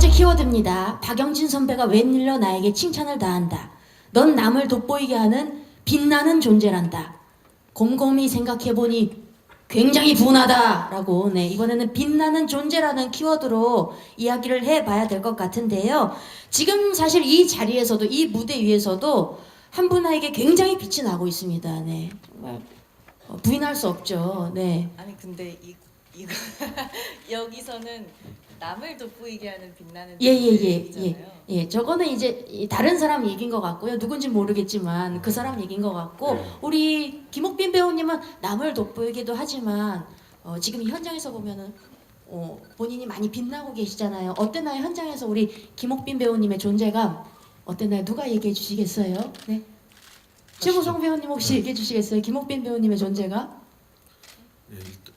번째 키워드입니다. 박영진 선배가 웬일로 나에게 칭찬을 다한다. 넌 남을 돋보이게 하는 빛나는 존재란다. 곰곰이 생각해보니 굉장히 분하다라고, 네, 이번에는 빛나는 존재라는 키워드로 이야기를 해봐야 될 것 같은데요. 지금 사실 이 자리에서도, 이 무대 위에서도 한 분에게 굉장히 빛이 나고 있습니다. 네, 정말 부인할 수 없죠. 네. 아니 근데 이거 여기서는 남을 돋보이게 하는 빛나는 예. 예, 저거는 이제 다른 사람 얘기인 것 같고요. 누군지 모르겠지만 그 사람 얘기인 것 같고, 우리 김옥빈 배우님은 남을 돋보이기도 하지만 지금 이 현장에서 보면은 본인이 많이 빛나고 계시잖아요. 어땠나요? 현장에서 우리 김옥빈 배우님의 존재감 어땠나요? 누가 얘기해 주시겠어요? 네. 최무성 배우님 혹시 얘기해 주시겠어요? 김옥빈 배우님의 존재감? 네,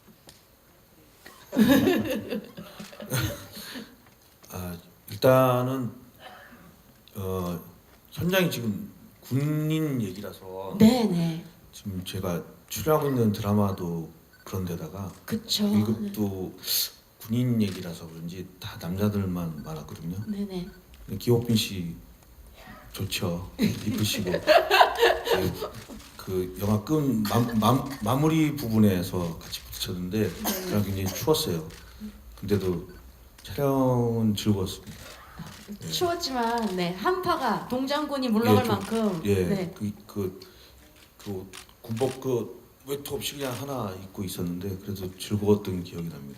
일단은 현장이 지금 군인 얘기라서 네네. 지금 제가 출연하고 있는 드라마도 그런데다가 그쵸. 1급도 군인 얘기라서 그런지 다 남자들만 많았거든요. 네네. 기옥빈 씨 좋죠. 이쁘시고 그 영화 끝 마무리 부분에서 같이 부딪혔는데 그냥 굉장히 추웠어요. 근데도 촬영은 즐거웠습니다. 네. 추웠지만 네, 한파가 동장군이 물러갈 예, 만큼 예, 네. 그 군복 그 외투 없이 그냥 하나 입고 있었는데 그래도 즐거웠던 기억이 납니다.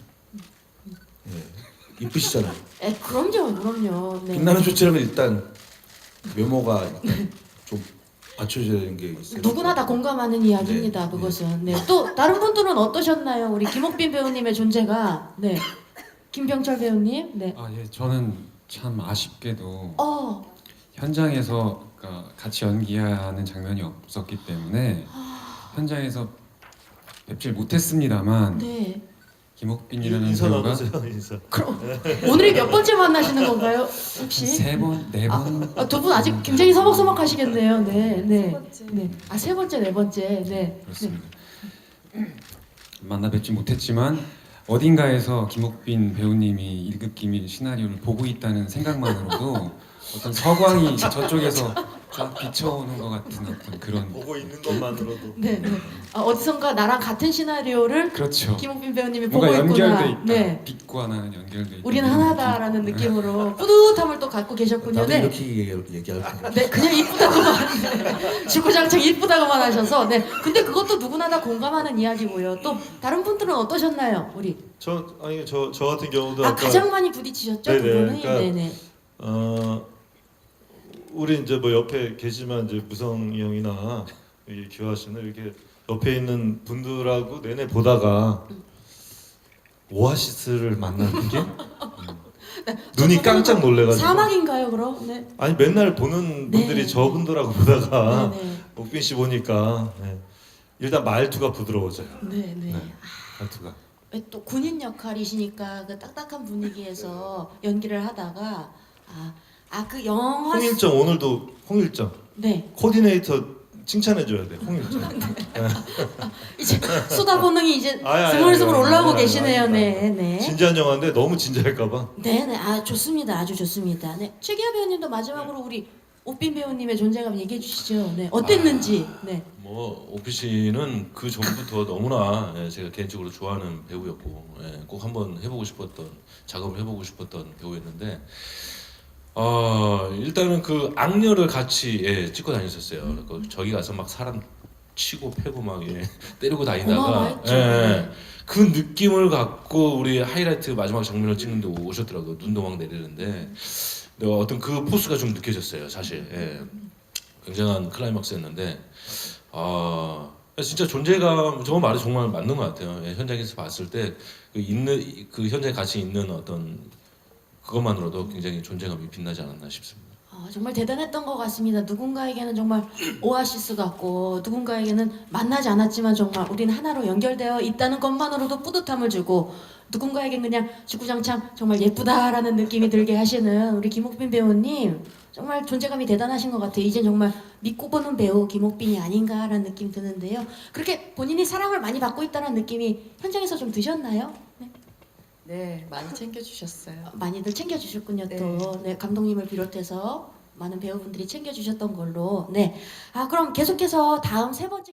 예, 이쁘시잖아요. 그럼요. 네. 빛나는 조치라면 일단 외모가 일단 좀 받쳐줘야 되는 게 있어요. 누구나 다 공감하는 이야기입니다. 네, 그것은. 네. 또 다른 분들은 어떠셨나요? 우리 김옥빈 배우님의 존재가. 네. 김병철 배우님. 네. 예, 저는 참 아쉽게도 어. 현장에서 그러니까 같이 연기하는 장면이 없었기 때문에 현장에서 뵙질 못했습니다만 네. 김옥빈이라는 인사 배우가 나누세요 인사. 그럼 오늘이 몇 번째 만나시는 건가요? 혹시? 세 번, 네 번. 두 분 아직 굉장히 서먹서먹하시겠네요. 네. 네. 세 번째. 네. 세 번째, 네 번째. 네. 그렇습니다. 만나 뵙지 못했지만 어딘가에서 김옥빈 배우님이 1급 기밀 시나리오를 보고 있다는 생각만으로도 어떤 서광이 저쪽에서 쫙 비춰오는 것 같은 어떤 그런. 보고 있는 것만으로도. 네. 네. 어디선가 나랑 같은 시나리오를 그렇죠. 김옥빈 배우님이 보고 뭔가 있구나. 연결돼 있다. 네. 빛과 나는 연결돼 있다. 우리는 이런 하나다라는 느낌으로 뿌듯함을 또 갖고 계셨군요. 나도 네. 이렇게 얘기할 거예요. 네, 그냥 이쁘다고만. 네. 주구장창 이쁘다고만 하셔서. 네. 근데 그것도 누구나 다 공감하는 이야기고요. 또 다른 분들은 어떠셨나요, 우리? 저 같은 경우도 아까 가장 많이 부딪히셨죠, 두 네네, 분이. 그러니까 네네. 우리 이제 뭐 옆에 계시지만 이제 무성이 형이나 이 기화 씨는 이렇게 옆에 있는 분들하고 내내 보다가 오아시스를 만나는 게 눈이 깜짝 놀래가지고. 사막인가요, 그럼? 네. 아니 맨날 보는 네. 분들이 저분들하고 보다가 네네. 옥빈 씨 보니까 일단 말투가 부드러워져요. 네네. 네. 말투가. 또 군인 역할이시니까 그 딱딱한 분위기에서 연기를 하다가 그 영화 홍일정 오늘도 홍일정 네. 코디네이터 칭찬해줘야 돼. 홍일정. 이제 수다 본능이 이제 아니, 스물스물 아니, 올라오고 아니, 계시네요. 아니, 네, 네. 진지한 영화인데 너무 진지할까봐. 네네. 좋습니다. 아주 좋습니다. 네. 최기하 배우님도 마지막으로 우리 옥빈 배우님의 존재감 얘기해 주시죠. 네. 어땠는지. 네. 뭐 오피 씨는 그 전부터 너무나 제가 개인적으로 좋아하는 배우였고 꼭 한번 해보고 싶었던 작업을 해보고 싶었던 배우였는데 일단은 그 악녀를 같이 찍고 다녔었어요. 저기 가서 막 사람 치고 패고 막 때리고 다니다가 어마어마했죠. 네. 그 느낌을 갖고 우리 하이라이트 마지막 장면을 찍는데 오셨더라고요. 눈도 막 내리는데 어떤 그 포스가 좀 느껴졌어요. 사실 굉장한 클라이막스였는데 진짜 존재감, 저 말이 정말 맞는 것 같아요. 현장에서 봤을 때 그 현장에 같이 있는 어떤 그것만으로도 굉장히 존재감이 빛나지 않았나 싶습니다. 정말 대단했던 것 같습니다. 누군가에게는 정말 오아시스 같고 누군가에게는 만나지 않았지만 정말 우리는 하나로 연결되어 있다는 것만으로도 뿌듯함을 주고, 누군가에겐 그냥 주구장창 정말 예쁘다라는 느낌이 들게 하시는 우리 김옥빈 배우님, 정말 존재감이 대단하신 것 같아요. 이제 정말 믿고 보는 배우 김옥빈이 아닌가라는 느낌이 드는데요. 그렇게 본인이 사랑을 많이 받고 있다는 느낌이 현장에서 좀 드셨나요? 네. 네, 많이 챙겨주셨어요. 많이들 챙겨주셨군요. 네. 또 네, 감독님을 비롯해서 많은 배우분들이 챙겨주셨던 걸로. 네. 아 그럼 계속해서 다음 세 번째.